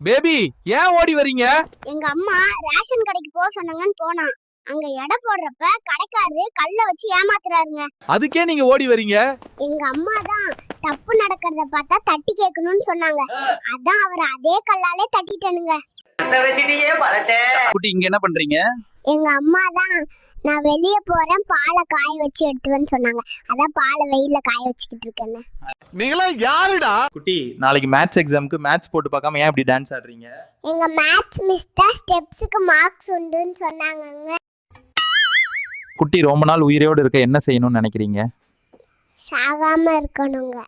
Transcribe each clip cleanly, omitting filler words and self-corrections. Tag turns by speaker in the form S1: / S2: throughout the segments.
S1: Baby ஏன் ஓடி வரீங்க?
S2: எங்க அம்மா ரேஷன் கடைக்கு போக சொன்னாங்கன்னு போனா அங்க எடை போடுறப்ப கடைக்காரரு கல்ல வச்சு ஏமாத்துறாருங்க.
S1: அதுக்கே நீங்க ஓடி வரீங்க?
S2: எங்க அம்மா தான் தப்பு நடக்கிறத பார்த்தா தட்டி கேட்கணும்னு சொன்னாங்க. அதான் அவர் அதே கல்லாலே தட்டிட்டனுங்க.
S1: குட்டி இங்க என்ன பண்றீங்க?
S2: எங்க அம்மா தான் நான் வெளிய போறேன் பாலை காய வச்சு எடுத்துவேன்னு சொன்னாங்க. அதான் பாலை வெயில்ல காய வச்சுக்கிட்டு இருக்கேன்னு.
S3: நீங்களா யாருடா?
S1: குட்டி நாளைக்கு மேத்ஸ் எக்ஸாம்க்கு மேத்ஸ் போட்டு பார்க்காம ஏன் இப்படி டான்ஸ் ஆடுறீங்க?
S2: எங்க மேத்ஸ் மிஸ் தான் ஸ்டெப்ஸ்க்கு மார்க்ஸ் உண்டுன்னு சொன்னாங்கங்க.
S1: குட்டி ரொம்ப நாள் உயிரோடு இருக்க என்ன செய்யணும்னு நினைக்கிறீங்க?
S2: சாகாம இருக்கணுங்க.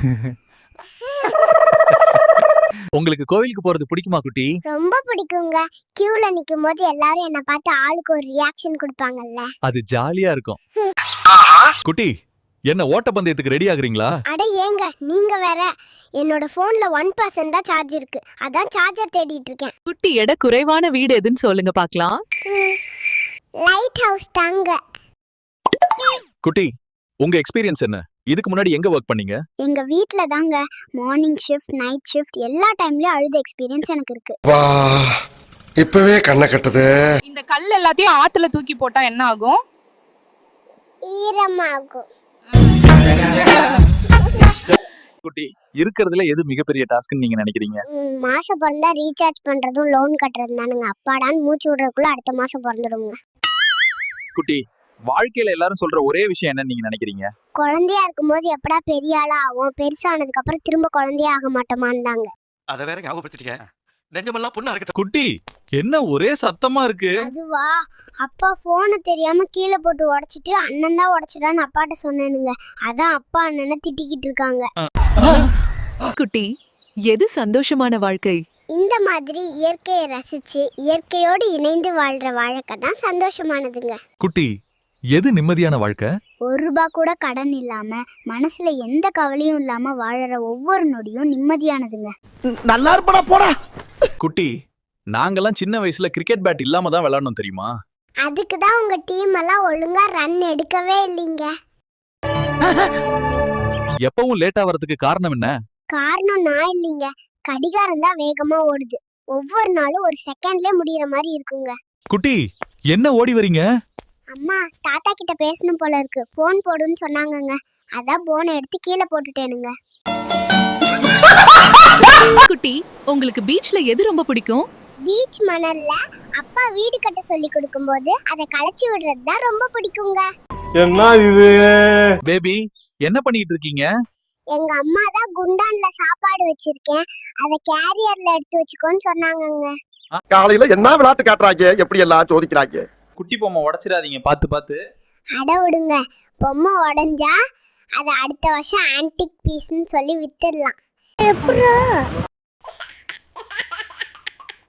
S1: உங்களுக்கு கோவிலுக்கு போறது பிடிக்குமா குட்டி?
S2: ரொம்ப பிடிக்குங்க. கியூல நிக்கும் போது எல்லாரும் என்ன பார்த்து ஆளுக்கு ஒரு ரியாக்ஷன் கொடுப்பாங்கல்ல,
S1: அது ஜாலியா இருக்கும். குட்டி என்ன ஓட்டப்பந்தயத்துக்கு ரெடி ஆகுறீங்களா?
S2: அட ஏங்க நீங்க வேற. என்னோட போன்ல 1% தான் சார்ஜ் இருக்கு. அதான் சார்ஜர் தேடிட்டு இருக்கேன்.
S4: குட்டி எடை குறைவான வீடு எதுன்னு சொல்லுங்க பார்க்கலாம்.
S2: லைட் ஹவுஸ் தாங்க.
S1: குட்டி உங்க எக்ஸ்பீரியன்ஸ் என்ன? இதுக்கு முன்னாடி எங்க வர்க் பண்ணீங்க?
S2: எங்க வீட்ல தாங்க. மார்னிங் ஷிஃப்ட் நைட் ஷிஃப்ட் எல்லா டைம்லயும் அழுத எக்ஸ்பீரியன்ஸ் எனக்கு இருக்கு.
S3: வா இப்பவே கண்ணை கட்டுது.
S5: இந்த கல் எல்லாத்தையும் ஆத்துல தூக்கி போட்டா என்ன ஆகும்?
S2: ஈரமாகும்.
S1: குட்டி இருக்கிறதுல எது மிகப்பெரிய டாஸ்க்னு நீங்க நினைக்கிறீங்க?
S2: மாசம் பிறந்தா ரீசார்ஜ் பண்றதும் லோன் கட்டுறதும் தானுங்க. அப்பாடான்னு மூச்சு விடுறதுக்குள்ள அடுத்த மாசம் பிறந்துடுங்க.
S1: குட்டி வாழ்க்கையில எல்லாரும் சொல்ற ஒரே விஷயம் என்ன நீங்க நினைக்கிறீங்க?
S2: குழந்தையா இருக்கும்போது எப்படா பெரிய ஆளா ஆகும், பெருசானதுக்கு அப்புறம் திரும்ப குழந்தையா ஆக மாட்டோமான்னு தாங்க.
S3: அத வேற ஞாபகப்படுத்திட்டீங்க. நெஞ்சமெல்லாம் புண்ணா இருக்கு.
S1: குட்டி என்ன ஒரே சத்தமா இருக்கு?
S2: அதுவா, அப்பா போனை தெரியாம கீழே போட்டு உடைச்சிட்டு அண்ணன் தான் உடைச்சிட்டான்னு அப்பாட்ட சொன்னேனுங்க. அதான் அப்பா அண்ணனை திட்டிக்கிட்டு இருக்காங்க.
S4: குட்டி எது சந்தோஷமான வாழ்க்கை?
S2: இந்த மாதிரி இயற்கையை ரசிச்சு இயற்கையோடு இணைந்து வாழ்ற வாழ்க்கை தான் சந்தோஷமானதுங்க.
S1: குட்டி எது நிம்மதியான வாழ்க்கை?
S2: ₹1 கூட கடன் இல்லாம மனசுல எந்த கவலையும் இல்லாம வாழற ஒவ்வொரு நொடியும் நிம்மதியானதுங்க.
S3: நல்லா இருப்படா போடா.
S1: குட்டி நாங்கெல்லாம் சின்ன வயசுல கிரிக்கெட் பேட் இல்லாம தான் விளையாடணும் தெரியுமா?
S2: அதுக்கு தான் உங்க டீம் எல்லாம் ஒழுங்கா ரன் எடுக்கவே இல்லைங்க.
S1: எப்பவும் லேட்டா வரதுக்கு காரணம் என்ன?
S2: காரணம் நான் இல்லைங்க, கடிகாரம் தான் வேகமா ஓடுது. ஒவ்வொரு நாளும் ஒரு செகண்ட்லயே முடியற மாதிரி இருக்குங்க.
S1: குட்டி என்ன ஓடி வரீங்க?
S2: அம்மா தாத்தா கிட்ட பேசணும் போல இருக்கு, போன் போடுன்னு சொன்னாங்கங்க. அதான் போனை எடுத்து கீழே போட்டுட்டேனுங்க.
S4: குட்டி உங்களுக்கு பீச்ல எது ரொம்ப பிடிக்கும்?
S2: பீச் மணல்ல அப்பா வீடு கட்ட சொல்லி கொடுக்கும்போது அதை களைச்சி விடுறது தான் ரொம்ப பிடிக்குங்க.
S3: என்ன இது?
S1: பேபி என்ன பண்ணிட்டு இருக்கீங்க?
S2: எங்க அம்மா தான் குண்டான்ல சாப்பாடு வச்சிருக்கேன், அதை கேரியர்ல எடுத்து வச்சுக்கோன்னு சொன்னாங்கங்க.
S3: காலையில என்ன விளையாட்டு காட்டுறாங்க, எப்படி எல்லாம் சோதிக்கிறாங்க.
S1: குட்டி பொம்மை உடைச்சிடாதீங்க பாத்து பாத்து.
S2: அட விடுங்க, பொம்மை உடைஞ்சா அதை அடுத்த வருஷம் ஆன்டிக் பீஸ்ன்னு சொல்லி வித்துடலாம்.